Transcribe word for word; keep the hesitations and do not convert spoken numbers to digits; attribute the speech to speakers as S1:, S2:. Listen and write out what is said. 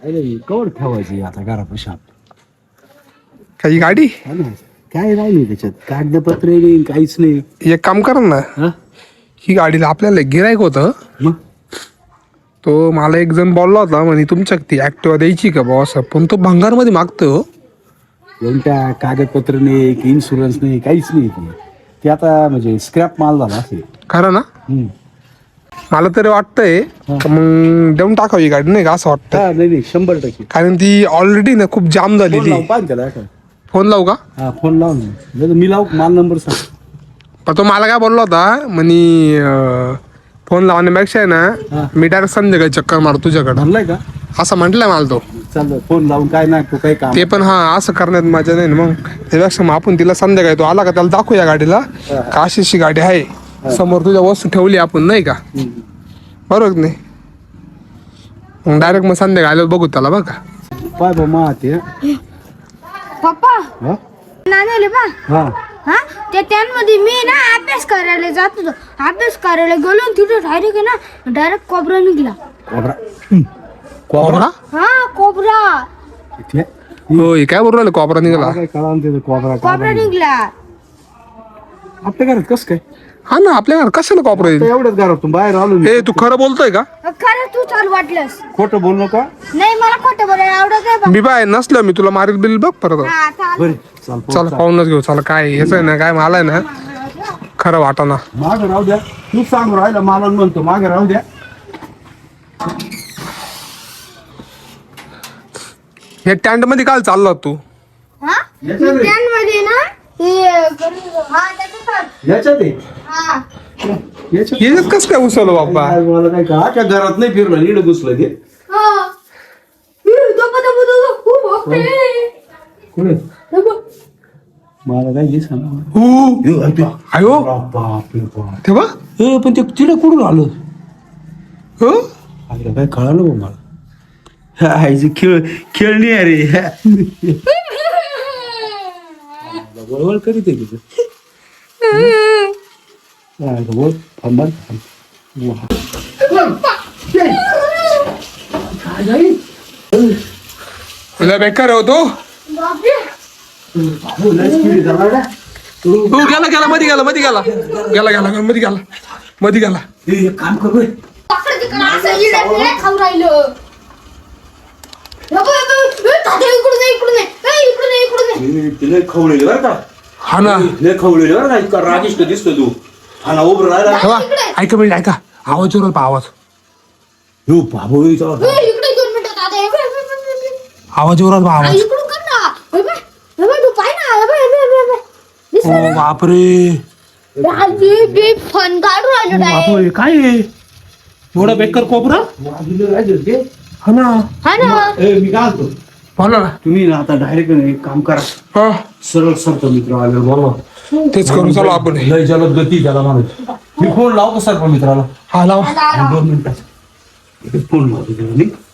S1: अरे कवर ठेवायची आता घरापाशी
S2: काही गाडी
S1: काय राहिली त्याच्यात कागदपत्र नाही काहीच नाही.
S2: एक काम करा ना,
S1: हा
S2: ही गाडीला आपल्याला गिरायक होतं.
S1: मग
S2: तो मला एक जण बोलला होता म्हणे तुमच्या ती ऍक्टिवा द्यायची का भाऊ असं, पण तो भंगारमध्ये मागतोय हो.
S1: कोणत्या कागदपत्र नाही की इन्शुरन्स नाही काहीच नाही ते. ते आता म्हणजे स्क्रॅप माल झाला असेल.
S2: खरं ना?
S1: हम्म.
S2: मला तरी वाटतंय का मग देऊन टाकावी गाडी नाही का असं वाटतं.
S1: हा नाही नाही शंभर टक्के
S2: कारण ती ऑलरेडी ना खूप जाम
S1: फोन
S2: झालेली.
S1: लावून पाहा त्याला का.
S2: फोन लावू का?
S1: हा फोन लावून नाही मी लावू माल नंबर सांग.
S2: पण तो मला काय बोलला होता म्हणे अं, फोन लावण्यापेक्षा आहे
S1: हा.
S2: ना मी डायरेक्ट संध्याकाळी चक्कर मार तुझ्याकडं
S1: म्हणलाय का
S2: असं म्हटलंय मला तो.
S1: चाललं फोन लावून काय नाही तू काही काम
S2: ते पण हा असं करण्यात मजा नाही ना मग. त्यापेक्षा मग आपण तिला संध्याकाळी तो आला का त्याला दाखवूया गाडीला का अशी अशी गाडी आहे समोर तुझ्या वस्तू ठेवली आपण नाही का, बरोबर नाही? मग डायरेक्ट मग संध्याकाळी आल्यावर बघू त्याला बघा.
S1: पाय बा मा ते
S3: पप्पा
S1: हा
S3: नानाले बा
S1: हा
S3: हा ते त्यांमध्ये मी ना अभ्यास करायला जात होतो. अभ्यास करायला गेलो आणि तिथे डायरेक्ट आहे ना डायरेक्ट कोबरा निघला.
S1: Cobra
S2: cobra?
S3: हा कोबरा
S1: इथे
S2: होय काय बरोबर कोबरा निघाला.
S1: काय कळा ते कोबरा
S3: कोबरा निघला.
S1: आपल्या घरात कसं काय
S2: हा ना आपल्या घरात कशाला कोबरा येईल?
S1: आता एवढ्याच घरातून बाहेर आलो मी.
S2: हे तू खरं बोलतोय का?
S3: खरं तू चाल वाटलंस.
S1: खोटं बोल नका.
S3: नाही मला खोटं बोलायला आवडत आहे बा.
S2: मी बाय नसलं मी तुला मारील बिल बघ परत.
S3: हा चाल.
S1: बरे चाल
S2: चल पाहूनच घेऊ. चला काय हेच आहे ना काय मला आहे ना खरं वाटाना.
S1: मागे राहू द्या तू सांग राहिला मला म्हणतो मागे राहू द्या.
S2: हे टँट मध्ये काल चालला तू?
S3: हा
S1: याच्यात रे.
S3: त्यांमध्ये ना हे हा त्याच्यात
S1: याच्यात आहे.
S3: हा
S1: याच्यात
S2: हेच कस काय उसवलं बाबा?
S1: काय मला काय का त्या घरात नाही फिरलं नीड घुसलं ते
S3: हा हे दबा दबा दबा खूप होते.
S1: कुठे
S3: दबा
S1: मला काय दिस
S2: हो आयो
S1: बाप रे बाप.
S2: तेव्हा
S1: ए, पण ते तिला कुठून आलं
S2: हो
S1: आईला काय कळालं बा मला. आईची खेळ खेळणी अरे वळवळ करीत आहे तिथं. बोल थांबा
S2: तुला बेकार होतो.
S3: बापरे
S2: हो गेला गेला मध्ये गेला मध्ये गेला गेला गेला मध्ये गेला मध्ये गेला.
S1: काम कर बे.
S3: पकड तिकडं असं इडा फिरा खाऊ राहिलं. इकडून इकडून इकडून इकडून
S1: तिला खवळलेलं बरं का.
S2: हा ना
S1: लय खवळलेलं बरं का. इतका रागिष्ट दिसतो तू. हा ना उभं राहिला.
S2: तेव्हा ऐका म्हणजे ऐका आवाज जोरात पहा आवाज
S1: हो बाबू चला
S3: इकडे दोन मिनिटं दादा हे बघ, हे बघ, हे बघ, हे बघ.
S2: आवाज जोरात पहा
S3: आ,
S2: आवाज.
S3: इकडून कर ना. हे बघ, हे बघ, तू पाय ना. हे बघ, हे बघ, हे बघ, हे बघ. दिसलं
S2: ओ
S3: ना?
S2: बापरे
S3: राजी बी फन काढून राहिलो डायरेक्ट.
S2: बापरे काय आहे? एवढा बेकार कोबरा? हा ना
S3: हा ना
S1: मी काय म्हणतो
S2: बोला ना.
S1: तुम्ही ना आता डायरेक्ट एक काम करा
S2: हा
S1: सरळ सरतो मित्र आले बोला
S2: तेच करू चला आपण.
S1: लय जलद गती त्याला म्हणायचं. मी फोन लावतो सर मित्राला
S2: हा लावा.
S3: आता आला.
S1: दोन मिनिटात फोन लावतो त्याला मी